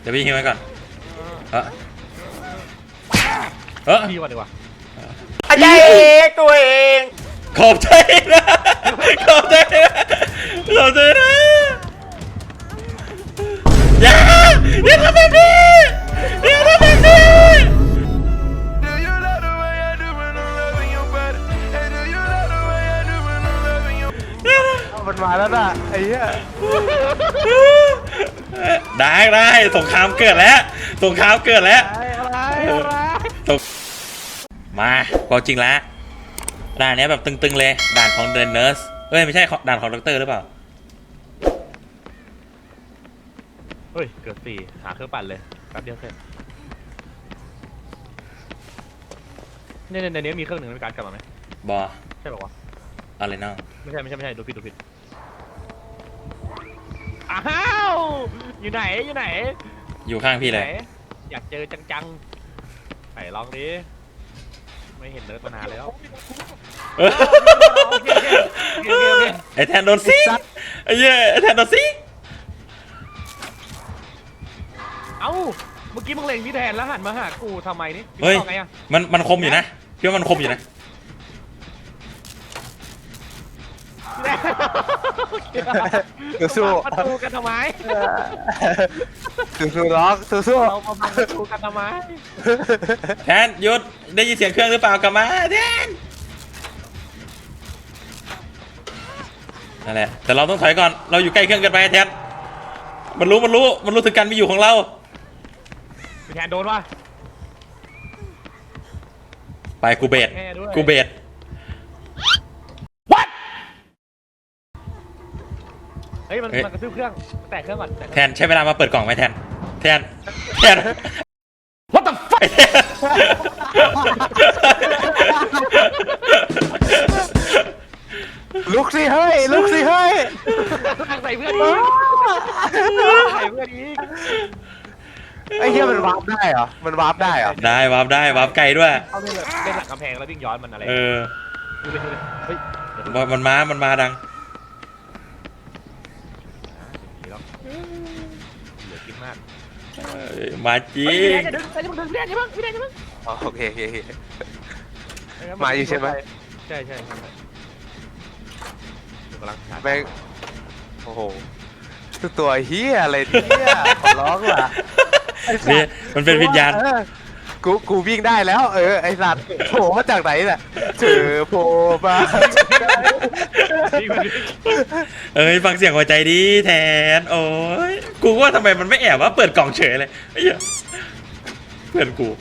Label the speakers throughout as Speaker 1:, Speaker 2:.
Speaker 1: เดี๋ยวพี่ฮิวไว้ก่อน
Speaker 2: พี่ก่อนดีกว่า
Speaker 3: อาจารย์เองตัวเอง
Speaker 1: ขอบใจนะขอบใจนะขอบใจนะอย่าทำแบบนี้อย่าทำแบบนี้
Speaker 3: มันมาแล้วน่ะไอ้เหี้ย
Speaker 1: ได้สงครามเกิดแล้วสงครามเกิดแล้วมาก็จริงแล้วด่านนี้แบบตึงๆเลยด่านของเดนเนอร์สไม่ใช่ด่านของด็อกเตอร์หรือเปล่า
Speaker 2: เฮ้ยเกือบ4หาเครื่องปั่นเลยแป๊บเดียวเสร็จในนี้มีเครื่องหนึ่งในการกลับมาไหม
Speaker 1: บอ
Speaker 2: ใช่ป่าวะ
Speaker 1: อะไรน้อง
Speaker 2: ไม่ใช่ดูผิดอ้าวอยู่ไหน
Speaker 1: อยู่ข้างพี่เลย
Speaker 2: อยากเจอจังๆไปลองดิไม่เห็นเนิร์ดมานานแล้ว
Speaker 1: ไอแทนโดนซิไอ้เหี้ยไอแทนโดนซิ
Speaker 2: เอ้าเมื่อกี้มึงเล็งพี่แทนแล้วหันมาหากูทำไมนี่
Speaker 1: เฮ้ยมันคมอยู่นะพี่ว่ามันคมอยู่นะ
Speaker 3: สู้
Speaker 2: ประตูกันทำไม
Speaker 3: สู้ล็อกสู้
Speaker 2: เรามาบังประตูกันทำไม
Speaker 1: แทนหยุดได้ยินเสียงเครื่องหรือเปล่ากลับมาแทนนั่นแหละแต่เราต้องถอยก่อนเราอยู่ใกล้เครื่องกันไปแทนมันรู้ถึงการมีอยู่ของเรา
Speaker 2: แทนโดนวะ
Speaker 1: ไปกูเบส
Speaker 2: เฮ้ยมันกระทืบเครื่องแตกเครื่องก่อน
Speaker 1: แทนใช้เวลามาเปิดกล่องไหมแทนWhat the fuck
Speaker 3: ลุกสิเฮ้ย
Speaker 2: ใส่เพื่อนอีก
Speaker 3: ไอ้เหี้ยมันวาร์ปได้เหรอ
Speaker 1: ได้วาร์ปไกลด้วย
Speaker 2: เขาเล่นหลังกำแพงแล้ววิ่งย้อนมันอะไรเฮ้ย
Speaker 1: มันมาดัง
Speaker 2: เหลือกินมาก
Speaker 1: มาจี
Speaker 2: จะดึงพี่แดนใช่ไหม
Speaker 3: โอเคมาอยู่ใช่ไหม
Speaker 2: ใช่กำลัง
Speaker 3: แม่งโอ้โหตัวเฮียอะไรเนี่ยขอร้องว่ะ
Speaker 1: นี่มันเป็นวิญญาณ
Speaker 3: กูวิ่งได้แล้วไอสัตว์โผล่มาจากไหนน่ะโผล่มา
Speaker 1: ฟังเสียงหัวใจดีแทนโอ้ยกูว่าทำไมมันไม่แอบว่าเปิดกล่องเฉยเลยไอ้เหี้ยเพื่อนกู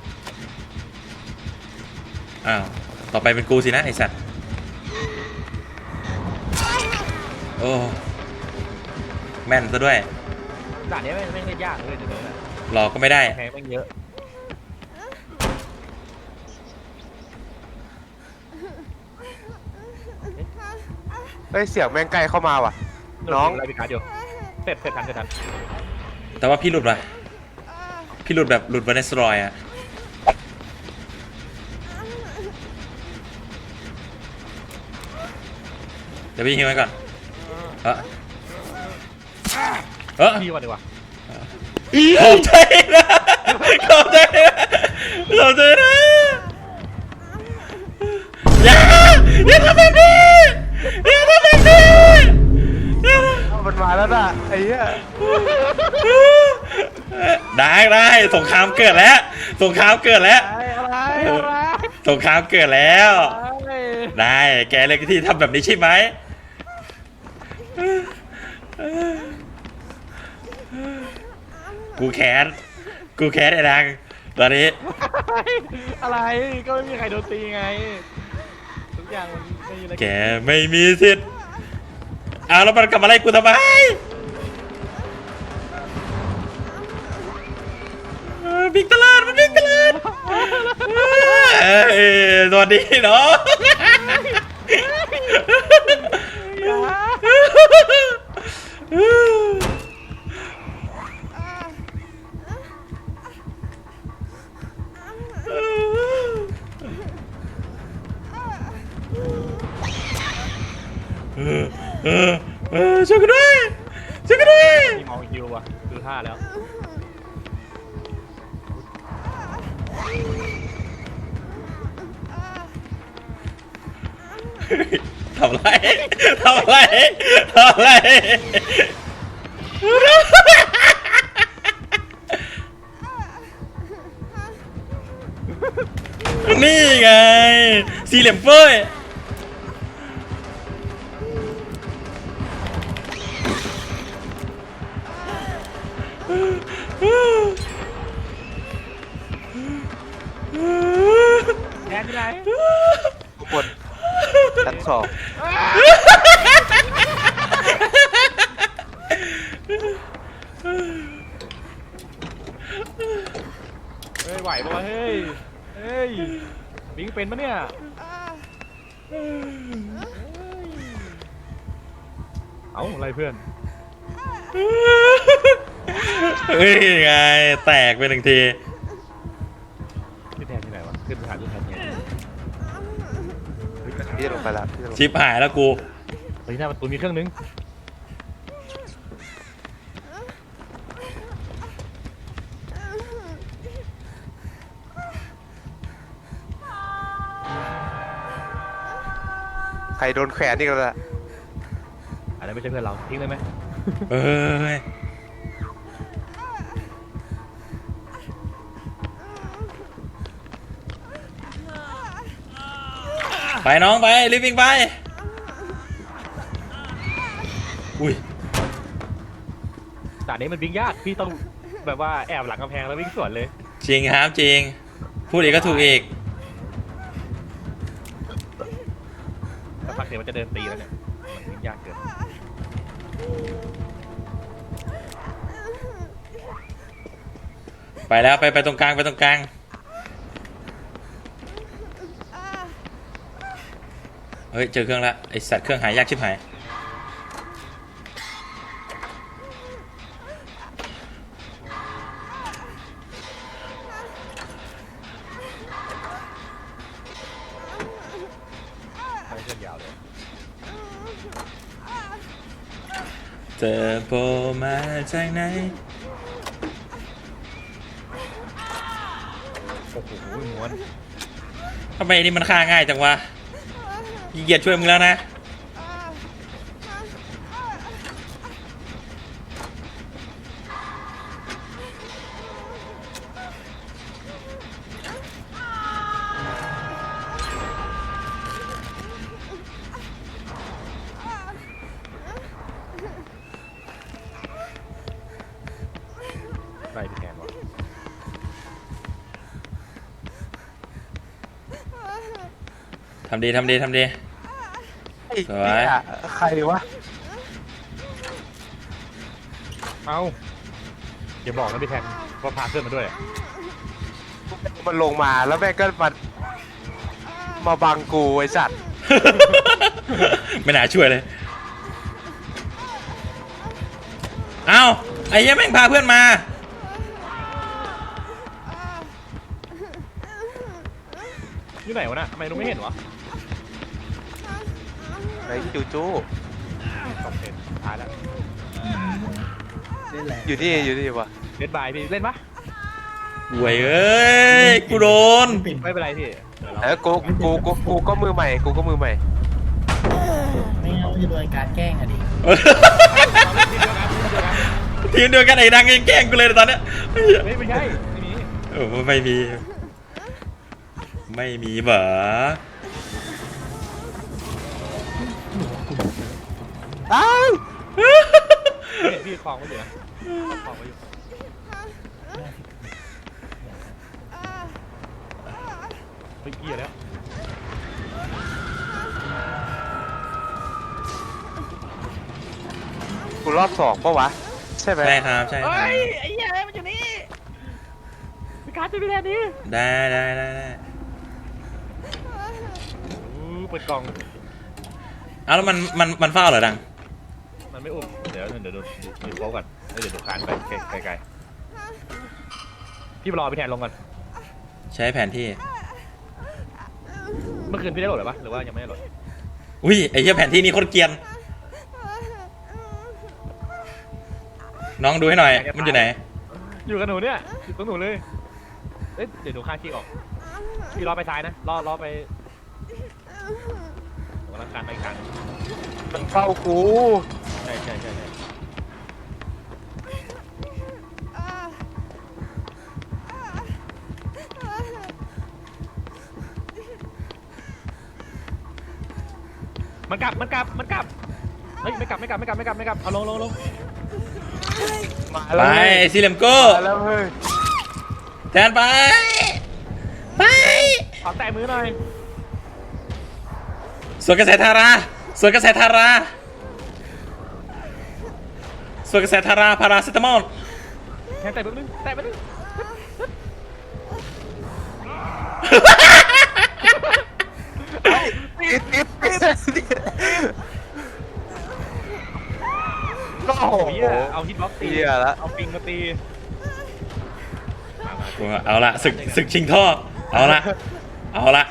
Speaker 1: อ้าวต่อไปเป็นกูสินะไอสัตว์โอ้แม่นซะด้วย
Speaker 2: ด่านนี้ไม่ได้ยากเลยเดี๋ยวนี้
Speaker 1: หลอกก็ไม่ได้
Speaker 2: แพงไม่เยอะ
Speaker 3: เสียงแม่งใกล้เข้ามาว่ะน้อง
Speaker 2: อะไรพี่การ์ดอยู่เสร็จทัน
Speaker 1: แต่ว่าพี่หลุดว่ะพี่หลุดแบบหลุดวานิสรอยอะเดี๋ยวพี่ฮิวไว้ก่อน
Speaker 2: พี่ก่อนดีกว่า
Speaker 1: ขอบใจนะอย่าทำแบบนี้
Speaker 3: มันมาแล้วน่ะไอ้เหี้ย
Speaker 1: ได้สงครามเกิดแล้วสงครามเกิดแล้วได้แกเลยที่ทำแบบนี้ใช่ไหมกูแค้นไอ้ดังตอนนี้
Speaker 2: อะไรก็ไม่มีใครโดนตีไงทุกอย่างมันไม่มีอะไร
Speaker 1: แกไม่มีสิทธิ์แล้วมันกลับมาไล่กูทำไมบิ๊กตลาดสวัสดีเนาะช่วยกันด้วย
Speaker 2: มีมองฮิวอ่ะดูท่าแล้ว
Speaker 1: ำไรทำไรทำไรนี่ไงสี่เหลี่ยมเฟ้ย
Speaker 2: แทนที่ไหน
Speaker 3: ทุกคนชั้นสอง
Speaker 2: เฮ้ยไหวปะวะเฮ้ยเฮ้ยบิงเป็นปะเนี่ยเอ้าอะไรเพื่อน
Speaker 1: เฮ้ยไงแตกไปหนึ่งที
Speaker 2: พี่แทนที่ไหนวะขึ้นไปหาพี่แทนไง
Speaker 3: พี่จะลงไปแล้วพี่จะลง
Speaker 1: ชิปหายแล้วกู
Speaker 2: เฮ้ยหน้าประตูมีเครื่องนึง
Speaker 3: ใครโดนแขวนนี่กันละ
Speaker 2: อันนั้นไม่ใช่เพื่อนเราทิ้งเลยไหม
Speaker 1: เอ้ยไปน้องไปรีบวิ่งไปอุ้ย
Speaker 2: แต่นี้มันวิ่งยากพี่ต้องแบบว่าแอบหลังกำแพงแล้ววิ่งสวนเลย
Speaker 1: จริงครับจริงพูดอีกก็ถูกอีก
Speaker 2: แต่พักเดี๋ยวมันจะเดินตีแล้วเนี่ยมันวิ่งยากเกิน
Speaker 1: ไปแล้วไปตรงกลางไปตรงกลางเฮ้ยเจอเครื่องละไอสัตว์เครื่องหายยากชิบหาย
Speaker 2: ไม่เส้นยาวเลย
Speaker 1: เธอโผล่มาจากไหน
Speaker 2: โอ้โหม้วน
Speaker 1: ทำไมนี่มันฆ่าง่ายจังวะขี้เกียจช่วยมึงแล้วนะ
Speaker 2: ไล่พี่แทนวะ
Speaker 1: ทำดีทำดีทำดี
Speaker 3: ไอ้
Speaker 1: สวย
Speaker 3: เหี้ยใครวะ
Speaker 2: เอ้าอย่าบอกนะพี่แทนว่าพาเพื่อนมาด้วย
Speaker 3: มันลงมาแล้วแม่งก็มาบังกูไอ้สัตว์
Speaker 1: ไม่น่าช่วยเลยเอ้าไอ้เหี้ยังแม่งพาเพื่อนมา
Speaker 2: อยู่ไหนวะน่ะทำไมลุงไม่เห็นวะ
Speaker 3: ไอ้จูจู
Speaker 2: สองเห็นตายแล้ว
Speaker 3: อยู่นี่วะ
Speaker 2: เล่นบายพี่เล่นปะ
Speaker 1: หวยเอ้ยกูโดน
Speaker 2: ไม่เป็นไรพี่
Speaker 3: กูก็มือใหม่กูก็มือใหม่
Speaker 4: ไม่งั้นจะโดนการแกล้งอะดิ
Speaker 1: ทีมเดียวกันไอ้ดังยังแกล้งกูเลยตอนเนี้ย
Speaker 2: ไม่ใช่ไม่มี
Speaker 1: โอ้ไม่มีไม่มีเหรอ
Speaker 3: อ้าว
Speaker 2: พี่คลองไว้อยู่นะคลองไว้อยู่เฮ้ยเกียร์แล้ว
Speaker 3: กูรอบสองปะวะใช่ไหม
Speaker 1: ใช่ครับใช่ครับ
Speaker 2: ไอ้เหี้ยมันอยู่นี่พี่การ์ดจะไปแทนนี้
Speaker 1: ได้
Speaker 2: เปิดกล่อง
Speaker 1: เอาแล้วมันเฝ้าเหรอดัง
Speaker 2: มันไม่อุ้มเดี๋ยวดูโป๊ก่อนเดี๋ยวดูคานไปไกลๆพี่รอไปแทนลงก่อน
Speaker 1: ใช้แผนที่
Speaker 2: เมื่อคืนพี่ได้โหลดหรือปะหรือว่ายังไม่ได้โหลด
Speaker 1: อุ้ยไอ้เหี้ยแผนที่นี่โคตรเกรียนน้องดูให้หน่อยมันอยู่ไหน
Speaker 2: อยู่กับหนูเนี่ยอยู่ตรงหนูเลยเอ้ยเดี๋ยวหนูข้างขี้ออกพี่รอไปซ้ายนะรอไปำลังการไปอีกครั้ง
Speaker 3: มันเข้ากู
Speaker 2: ใช่ใช่ใช่ใช่มันกลับเฮ้ยไม่กลับเอาลง
Speaker 3: มา
Speaker 1: ไป
Speaker 3: แล้วเว้ย
Speaker 1: ซิเลมโก้
Speaker 3: มาแล้วเฮ้ย
Speaker 1: แทนไปไป
Speaker 2: ขอแตะมือหน่อย
Speaker 1: สวนกระแสทาราสวนกระแสทาราสวนกระแสทาราพาราเซตามอล
Speaker 2: แค่แตะมือนึง
Speaker 3: ติดโอ้โห
Speaker 2: โอ้ยเอาฮิตบ็อกซ์ตี
Speaker 3: เหี้ยละ
Speaker 2: เอาปิงมาตีมา
Speaker 1: เอาละศึกชิงท่อเอาละ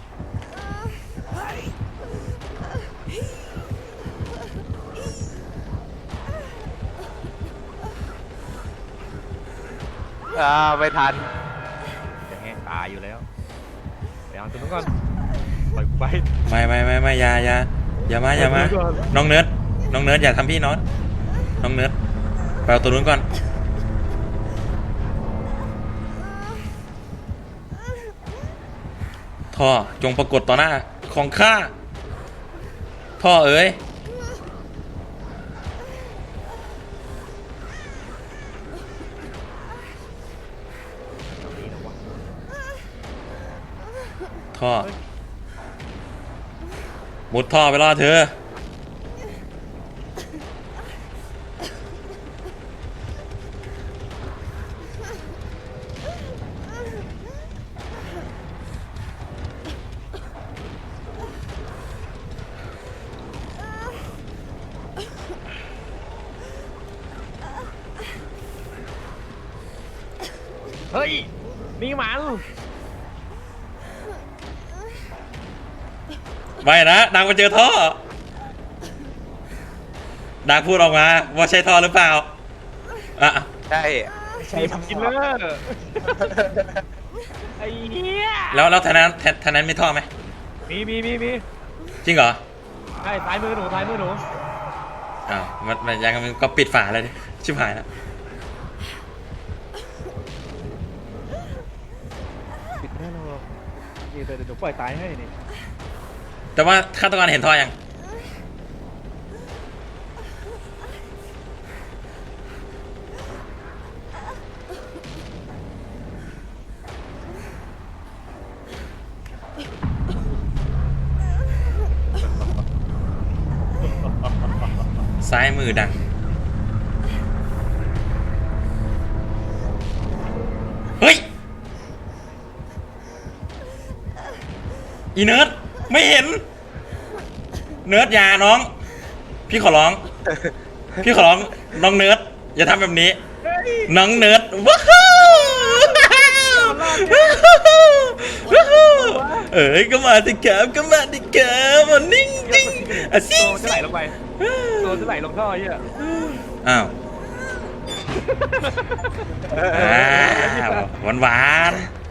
Speaker 3: ไม่ทัน
Speaker 2: จะแห้งตายอยู่แล้วไปเอาตัวนู้นก่อนปล่อยกูไป
Speaker 1: ไม่อย่ามาน้องเนิร์ดอย่าทำพี่น้องเนิร์ดไปเอาตัวนู้นก่อนท่อจงปรากฏต่อหน้าของข้าท่อเอ๋ยท่อมุดท่อไปรอเธอ
Speaker 2: เฮ้ยนี่มัน
Speaker 1: ไม่นะดังมาเจอท่อดังพูดออกมาว่าใช่ท่อหรือเปล่าอ่ะ
Speaker 3: ใช่
Speaker 2: ใช่ทำกินเลอร์ไอ้เหี้ย
Speaker 1: แล้วทางนั้นมีท่อไหม
Speaker 2: มี
Speaker 1: จริงเหรอ
Speaker 2: ใช่ซ้ายมือหนู
Speaker 1: อ้าวมันยังมันก็ปิดฝาเลยดิชิบหายแล้ว
Speaker 2: ปิดแน่นอนนี่เดี๋ยวปล่อยตายให้นี่
Speaker 1: แต่ว่าฆาตกรเห็นท่อยังซ้ายมือดังเฮ้ยอีเนิร์ดไม่เห็นเนิร์ดอย่าน้องพี่ขอร้องน้องเนิร์ดอย่าทำแบบนี้น้องเนิร์ดว้าวเอ้ยก็มาดิครับมานิ่งอ่ะซิ
Speaker 2: ตัวจะไหลลงไปตัวจะไหลลงท่อเหี้ย
Speaker 1: อ้าวหวาน